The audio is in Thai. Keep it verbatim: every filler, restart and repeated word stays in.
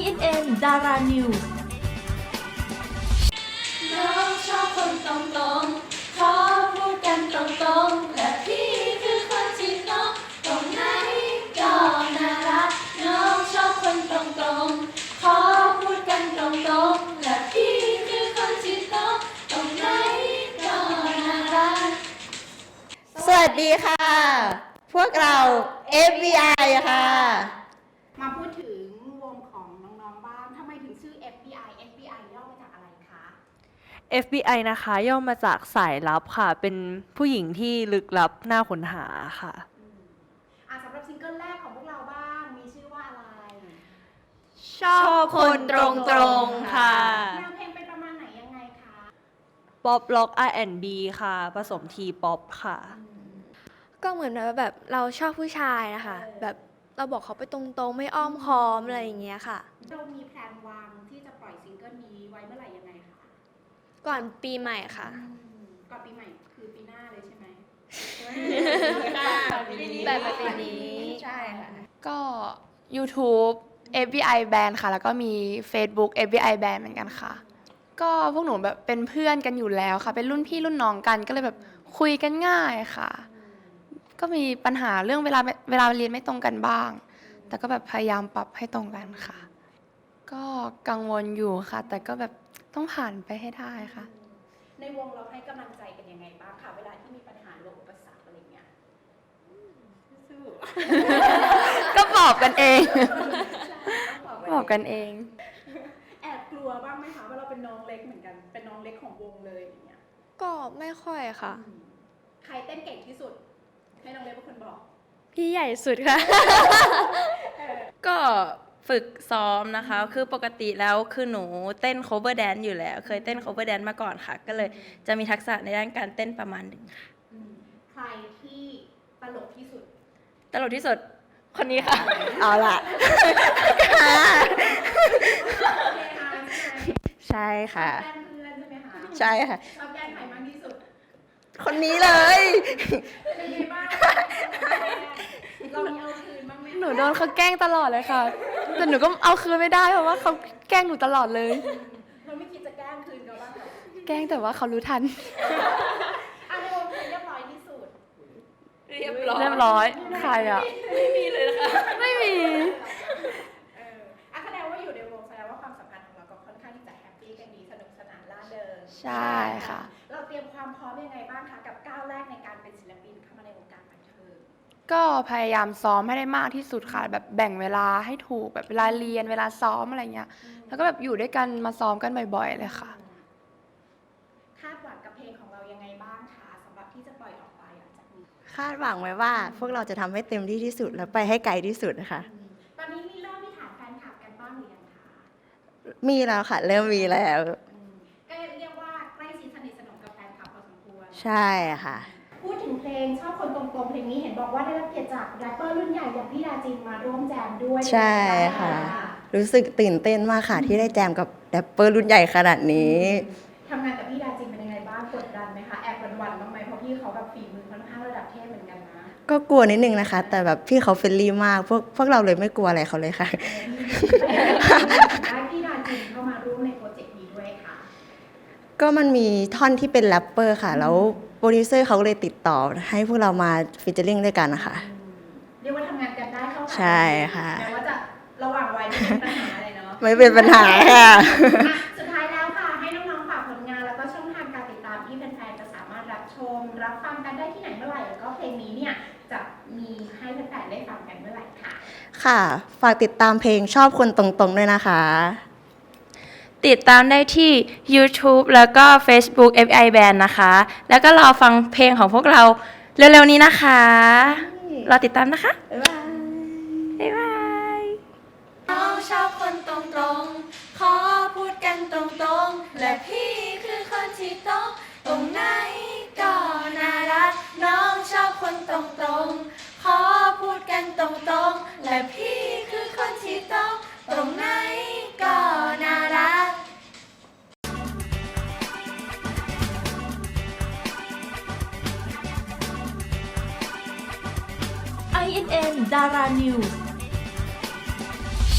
เอ็น เอ็น Dara News น้องชอบคนตรงๆขอพูดกันตรงๆและพี่คือคนที่ต้องตรงไหนก็น่ารักน้องชอบคนตรงๆขอพูดกันตรงๆและพี่คือคนที่ต้องตรงไหนก็น่ารักสวัสดีค่ะ พวกเรา เอฟ บี ไอ ค่ะมาพูดถึงวงของน้องๆบ้างทำไมถึงชื่อ เอฟ บี ไอ เอฟ บี ไอ ย่อมาจากอะไรคะเอฟ บี ไอ นะคะย่อมาจากสายลับค่ะ เป็นผู้หญิงที่ลึกลับน่าค้นหาค่ะอ่ะสำหรับซิงเกิลแรกของพวกเราบ้างมีชื่อว่าอะไรชอบคนตรงๆค่ะแนวเพลงเป็นประมาณไหนยังไงคะป๊อปล็อก อาร์ แอนด์ บี ค่ะ ผสมทีป๊อปค่ะก็เหมือนแบบเราชอบผู้ชายนะคะแบบเราบอกเขาไปตรงๆไม่อ้อมค้อมอะไรอย่างเงี้ยค่ะเรามีแพลนวางที่จะปล่อยซิงเกิลนี้ไว้เมื่อไหร่ยังไงคะก่อนปีใหม่ค่ะอืมก่อนปีใหม่คือปีหน้าเลยใช่ไหมแบบปีนี้ใช่ค่ะก็ YouTube เอฟ บี ไอ Band ค่ะ แล้วก็มี Facebook เอฟ บี ไอ Band เหมือนกันค่ะ ก็พวกหนูแบบเป็นเพื่อนกันอยู่แล้วค่ะ เป็นรุ่นพี่รุ่นน้องกัน ก็เลยแบบคุยกันง่ายค่ะ ก็มีปัญหาเรื่องเวลาเวลาเรียนไม่ตรงกันบ้าง แต่ก็แบบพยายามปรับให้ตรงกันค่ะ ก็กังวลอยู่ค่ะ แต่ก็แบบต้องผ่านไปให้ได้ค่ะในวงเราให้กำลังใจกันยังไงบ้างคะเวลาที่มีปัญหาหรืออุปสรรคอะไรเงี้ยสู้ก็บอกกันเองๆบอกกันเองแอบกลัวบ้างไหมคะว่าเราเป็นน้องเล็กเหมือนกันเป็นน้องเล็กของวงเลยอย่างเงี้ยก็ไม่ค่อยค่ะใครเต้นเก่งที่สุด ให้น้องเล็กเป็นคนบอกพี่ใหญ่สุดค่ะก็ฝึกซ้อมนะคะ คือปกติแล้วคือหนูเต้น cover dance อยู่แล้ว เคยเต้น cover dance มาก่อนค่ะ ก็เลยจะมีทักษะในด้านการเต้นประมาณหนึ่งค่ะใครที่ตลกที่สุดตลกที่สุดคนนี้ค่ะเอาล่ะใช่ค่ะชอบแกล้งเพื่อนใช่ไหมคะใช่ค่ะชอบแกล้งใครมากที่สุดคนนี้เลยเป็นไงบ้างเรามีเอาคืนบ้างไหมหนูโดนเขาแกล้งตลอดเลยค่ะ แต่หนูก็เอาคืนไม่ได้เพราะว่าเขาแกล้งหนูตลอดเลยเราไม่คิดจะแกล้งคืนเขาบ้างเหรอแกล้งแต่ว่าเขารู้ทันอ่ะในวงเพลงเรียบร้อยที่สุดเรียบร้อยเรียบร้อย ใครอ่ะไม่มีเลยนะคะไม่มีเอออ่ะแสดงว่าอยู่ในวงแสดงว่าความสัมพันธ์ของเราก็ค่อนข้างที่จะแฮปปี้กันดีสนุกสนานร่าเริงใช่ค่ะเราเตรียมความพร้อมยังไงบ้างคะกับก้าวแรกในการเป็นศิลปินเข้ามาในวงการบันเทิงก็พยายามซ้อมให้ได้มากที่สุดค่ะ แบบแบ่งเวลาให้ถูกแบบเวลาเรียนเวลาซ้อมอะไรเงี้ย แล้วก็แบบอยู่ด้วยกันมาซ้อมกันบ่อยๆเลยค่ะคาดหวังกับเพลงของเรายังไงบ้างคะสำหรับที่จะปล่อยออกไปหลังจากนี้คาดหวังไว้ว่าพวกเราจะทำให้เต็มที่ที่สุดและไปให้ไกลที่สุดนะคะตอนนี้มีเริ่มมีฐานแฟนคลับกันบ้างหรือยังคะมีแล้วค่ะ เริ่มมีแล้วอืมก็เรียกว่าใกล้ชิดสนิทสนมกับแฟนคลับพอสมควรใช่ค่ะพูดถึงเพลงชอบคนตรงๆเพลงนี้เห็นบอกว่าได้รับเกียรติจากแรปเปอร์รุ่นใหญ่อย่างพี่ดาจินมาร่วมแจมด้วยใช่ค่ะ รู้สึกตื่นเต้นมากค่ะ ที่ได้แจมกับแรปเปอร์รุ่นใหญ่ขนาดนี้ทำงานกับพี่ดาจินเป็นยังไงบ้างกดดันไหมคะแอบหวั่นๆบ้างไหมเพราะพี่เขาแบบฝีมือค่อนข้างระดับเทพเหมือนกันนะก็กลัวนิดนึงนะคะ แต่แบบพี่เขาเฟรนลี่มาก พวกพวกเราเลยไม่กลัวอะไรเขาเลยค่ะได้พี่ดาจินเข้ามาร่วมในโปรเจกต์นี้ด้วยค่ะก็มันมีท่อนที่เป็นแรปเปอร์ค่ะ แล้วโปรดิวเซอร์เขาก็เลยติดต่อให้พวกเรามาฟีเจอริ่งด้วยกันนะคะเรียกว่าทำงานกันได้เข้าขาใช่ค่ะแม้ว่าจะระหว่างวัยไม่เป็นปัญหาอะไรเนาะไม่เป็นปัญหาค่ะอ่ะสุดท้ายแล้วค่ะ ให้น้องๆฝากผลงานแล้วก็ช่องทางการติดตามที่แฟนๆจะสามารถรับชม รับฟังกันได้ที่ไหนเมื่อไหร่แล้วก็เพลงนี้เนี่ยจะมีให้แฟนๆได้ฟังกันเมื่อไหร่ค่ะค่ะ ฝากติดตามเพลงชอบคนตรงๆด้วยนะคะติดตามได้ที่ YouTube แล้วก็ Facebook เอฟ บี ไอ Band นะคะ แล้วก็รอฟังเพลงของพวกเราเร็วๆนี้นะคะ รอติดตามนะคะ บ๊ายบาย บ๊ายบายน้องชอบคนตรงๆ ขอพูดกันตรงๆ และพี่คือคนที่ต้องตรงไหนก็น่ารัก น้องชอบคนตรงๆ ขอพูดกันตรงๆ และพี่คือคนที่ต้องตรงไหนก็น่ารักไอ เอ็น เอ็น Dara News